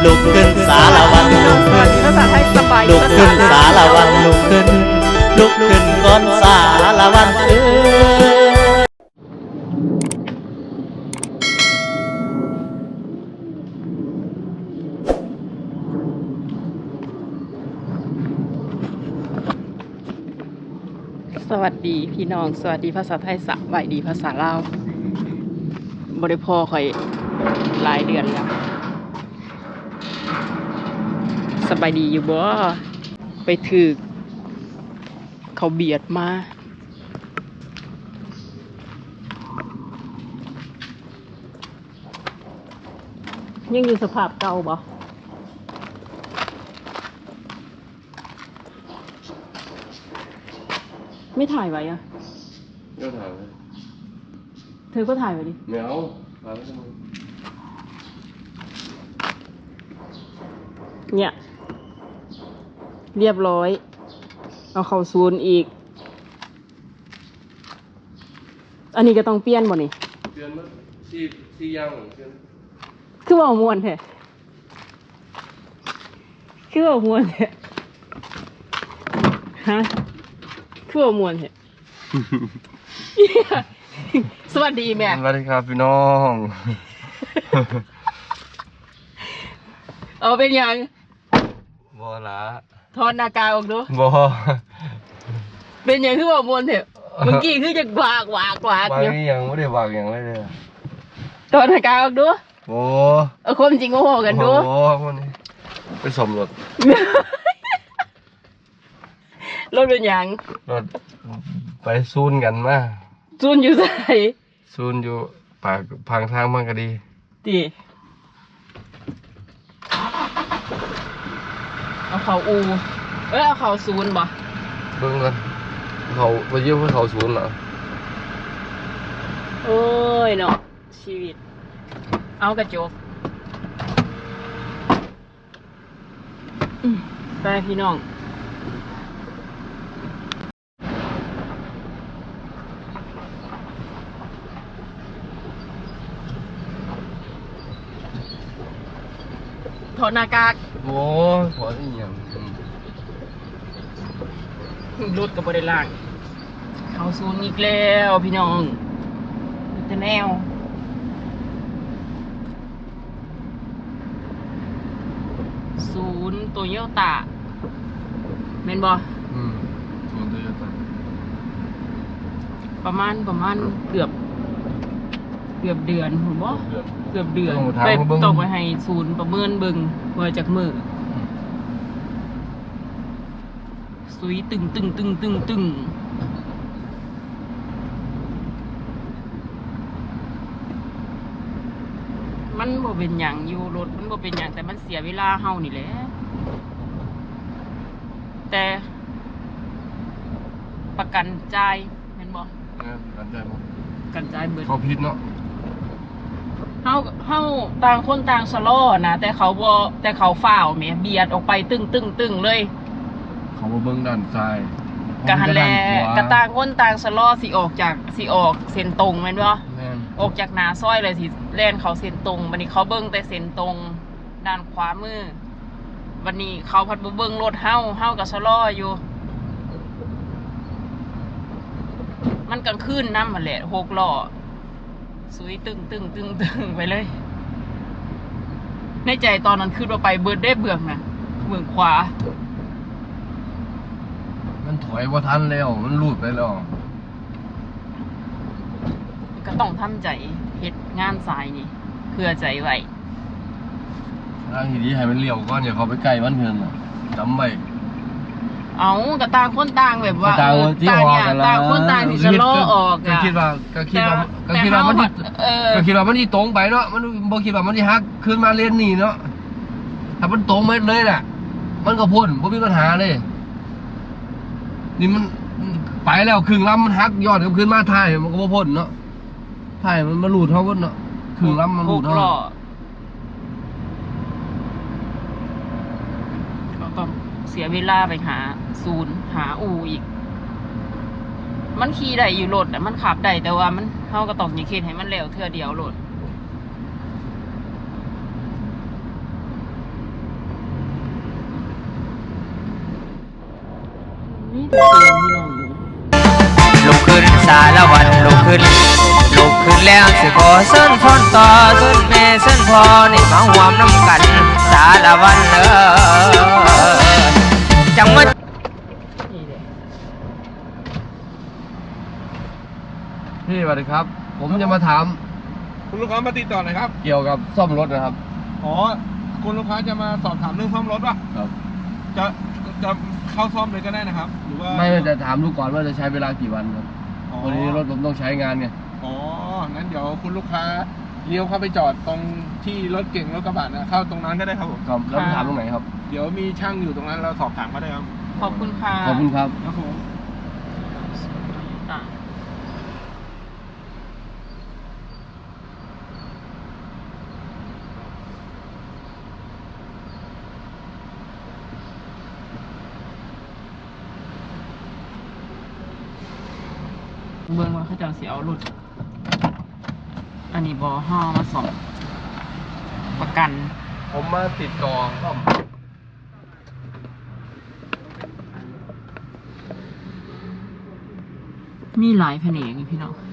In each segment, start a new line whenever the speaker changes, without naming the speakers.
ลุกขึ้นสารวันลุกขึ้น
ภาษาไทยสบาย
ลุกขึ้นสารวันลุกขึ้นลุกขึ้นก่อนสารวัน
สวัสดีพี่น้องสวัสดีภาษาไทยสบายดีภาษาลาวบ่ได้พ่อข่อยหลายเดือนแล้วสบายดีอยู่บ่ไปถึกเขาเบียดมายังอยู่สภาพเก่าบ่ไม่ถ่ายไว้อะ
ก็ถ่ายไว้
เธอก็ถ่ายไว้ดิ
ไม่เอาถ่ายไว้ทำไม
เนี่ย เรียบร้อย เอาเข้าศูนย์อีก อันนี้ก็ต้องเปลี่ยนบ่นี่
เปลี่ยนมั้ยที่ย่างเปลี่ยน
คือว่าม่วนแท้คือว่าม่วนแท้ฮะคือว่าม่วนแท้ สวัสดีแม่
สวัสดีครับพี่น้อง
เอาเป็นยัง
บอละ
ถอนหน้ากากออกดู
บอ
เป็นยังคือว่าม่วนแท้เมื่อกี้คือจะวาก
วาง
อยู่
นี่ยังไม่ได้วางยังไม่ได้
ถอนหน้ากากออกดู
โอ้
เอาความจริงโอ้โหกันดู
โอ้วันนี้ไปสมรถ
รถเป็นยัง
รถไปซูนกันมา
จูนอยู่ใส่
ซูนอยู่ปากพังทางมันก็ดี
ตีเอาเขาอูเอาเขาศูนย์บ่
เบิ่งกันเขาไปเยี่ยมเพื่อเขาซูนเหรอ
โอ้ยเนาะชีวิต เอากระจกไปพี่น้องถอดหน้ากาก
โอ้ขอที่ยัง
รถกับบริล่างเขาศูนย์อีกแล้วพี่น้องจะแนวศูนย์โตโยต้าเมนบอ
ซูนด้วยกัน
ประมาณเกือบเดือนผมบอกเกือบเดือนไปตกไปให้ศูนย์ประเมินเบิ่งว่าจากมือสุยตึงมันบ่เป็นหยังอยู่รถมันบ่เป็นหยังแต่มันเสียเวลาเฮานี่แหละแต่ประกันจ่ายเห็นบ่
กันใจมั้ง
ประกันจ่ายเบิด
เขาพิษเนาะ
เฮาต่างคนต่างสะล้อนะแต่เขาบ่แต่เขาฝ่าวแหมเบียดออกไปตึงเลย
เขามาเบิ้งด้านซ้าย
กะหันแลกะต่างคนต่างสะล้อสิออกเส้นตรงแม่นบ่
แม่น
ออกจากหน้าซอยเลยสิแล่นเขาเส้นตรงบัดนี้เขาเบิ่งแต่เส้นตรงด้านขวามือวันนี้เขาพัดบ่เบิ่งรถเฮาก็สะล้ออยู่ มันกลางคืนนำหั่นแหละ6ล้อสุยตึงไปเลย ในใจตอนนั้นคือว่าไปเบิดได้เบื้องน่ะเบื้องขวา
มันถอยว่าทันแล้วมันหลุดไปแล้ว
ก็ต้องทำใจเฮ็ดงานสายนี่เพื่อใจไว้
ทางที่ดีให้มันเลี้ยวก่อนอย่าเขาไปใกล้มันเพิ่นน่ะจำไว้
เอาก็ต่างคนต่างแบบว่า
ต่างที่
ต่าง
ออก
เนี่ย
กันละ
ต่างคนต่างที่จะล้อออก
ก็
อะ
คิดว่ามันที่ก็คิดว่ามันที่ตรงไปเนาะมันบ่คิดว่ามันที่ฮักขึ้นมาเลนนี่เนาะถ้ามันตรงไปเลยน่ะมันก็พ้นบ่มีปัญหาเลยนี่มันไปแล้วครึ่งลำมันฮักย้อนกลับขึ้นมาท้ายมันก็บ่พ้นเนาะท้ายมันมาหลุดเฮาพุ่นเนาะครึ่งลำมันหลุด
6
เฮา
ล้อก็ต้องเสียเวลาไปหาศูนย์หาอู่อีก มันขี่ได้อยู่รถมันขับได้แต่ว่ามันเฮาก็ต้องอย่าคิดให้มันแล้วเทื่อเดียวรถ
ลุกขึ้นสารวันลุกขึ้นแล้วสิขอเส้นพรต่อเส้นแม่เส้นพ่อนี่มาหวมน้ำกันสารวันจังหวัด
พี่สวัสดีครับ ผมจะมาถาม
คุณลูกค้ามาติดต่อหน่อยครับ
เกี่ยวกับซ่อมรถนะครับ
อ๋อ คุณลูกค้าจะมาสอบถามเรื่องซ่อมรถป่ะ
ครับ
จะเข้าซ่อมเลยก็ได้นะครับ หรือว่า
ไม่จะถามดูก่อนว่าจะใช้เวลากี่วันครับ
อ๋อ
วันนี้รถผมต้องใช้งานไง
อ๋อ งั้นเดี๋ยวคุณลูกค้าเลี้ยวเข้าไปจอดตรงที่รถเก่งรถกระบะนะเข้าตรงนั้นก็ได้ครับผม
ครับแล้วไปถามตรงไหนครับ
เดี๋ยวมีช่างอยู่ตรงนั้นเราสอบถามก็ได้ครับ
ขอบคุณค่ะ
ขอบคุณครับ
ครับผม
อ่ะเบิ่งว่าเขาจะสิเอารถอันนี้บอห่อมาส่งประกัน
ผมมาติดต่อซ่อม
มีหลายแผนกนี่พี่น้อง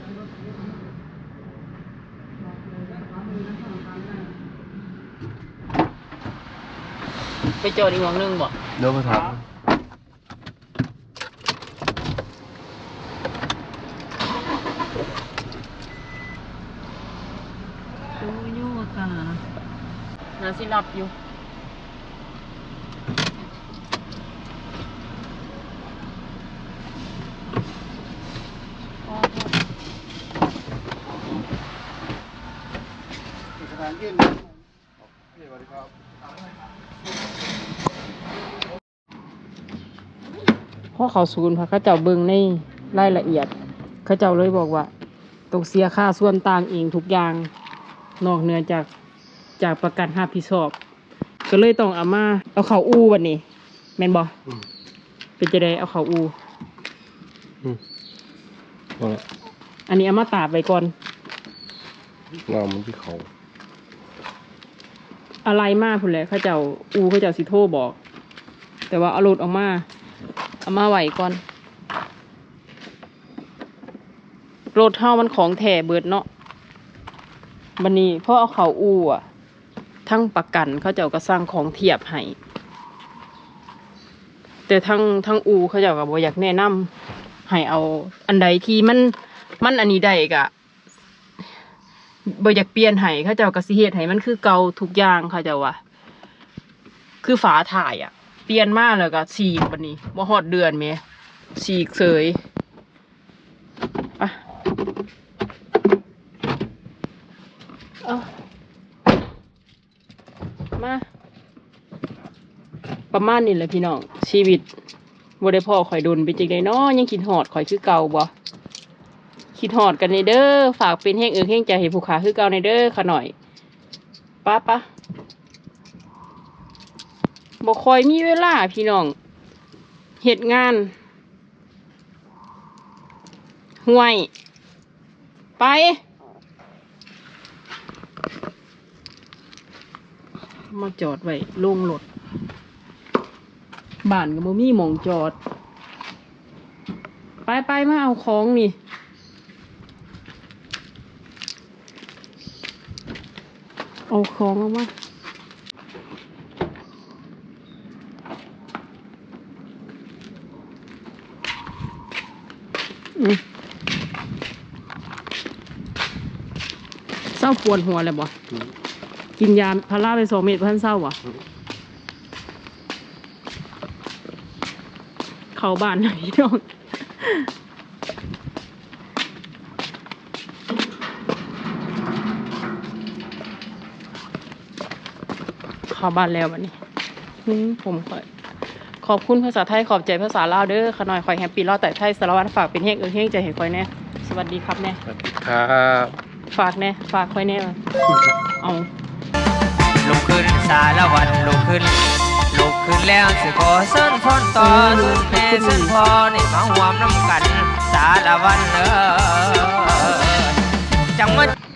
ไปจอดอีกหวังนึงบ่
เดี๋ยวมาถาม
โอ้ยอยู่กันน่าสิรับอยู่เพราะเขาศูนย์พระเขาเจ้าเบิ่งในรายละเอียด เขาเจ้าเลยบอกว่าต้องเสียค่าส่วนต่างเองทุกอย่างนอกเหนือจากประกันรับผิดชอบ ก็เลยต้องเอาเขาอูวันนี้แม่นบ่เป็นจะได้เอาเขาอู อันนี้เอามาตากไว้ก่อน
งามมันที่เขา
อะไรมากพุ่นแหละเขาเจ้าสิโทรบอก แต่ว่าเอารถเอามาไว้ก่อนรถเฮามันของแท้เบิดเนาะบัดนี้พอเอาเขาอูอ่ะทั้งประกันเขาเจ้าก็สร้างของเทียบให้แต่ทั้งอูเขาเจ้าก็บ่อยากแนะนำให้เอาอันใดที่มันอันนี้ได้ก็บ่อยากเปลี่ยนให้เขาเจ้าก็สิเฮ็ดให้มันคือเก่าทุกอย่างเขาเจ้าว่าคือฝาถ่ายอ่ะเปลี่ยนมาแล้วก็ฉีกบัดนี้บ่ฮอดเดือนแหมฉีกเสยอ่ะเอามาประมาณนี้แหละพี่น้องชีวิตบ่ได้พ่อข่อยโดนไปจังได๋น้อยังคิดฮอดข่อยคือเก่าบ่คิดฮอดกันในเด้อฝากเป็นแห้งแห้งใจให้ผู้ขาคือเก่าในเด้อค่ะหน่อยป้าบ่ค่อยมีเวลาพี่น้องเฮ็ดงานห่วยไปมาจอดไว้ลงรถบ้านก็บ่มีหม้องจอดไปมาเอาของนี่เอาของออกมาเศร้าปวดหัวเลยบ่กินยาพาราไป2 เม็ดเพื่อนเศร้าบ่เข้าบ้านหน่อยพี่น้องเข้าบ้านแล้ววันนี้ผมขอบคุณภาษาไทยขอบใจภาษาลาวเด้อขะหน่อยคอยแฮปปี้รอดแต่ไทยสารวัตรฝากเป็นแห้งแห้งใจให้คอยแน่สวัสดีครับแน่
ครับ
ฝากแน่ฝากคอยแน่เอา
ลุกขึ้นสารวันลุกขึ้นแล้วสิขอเส้นพรต่อเส้นแม่เส้นพ่อนี่มาหวมน้ำกันสารวันจังหวัด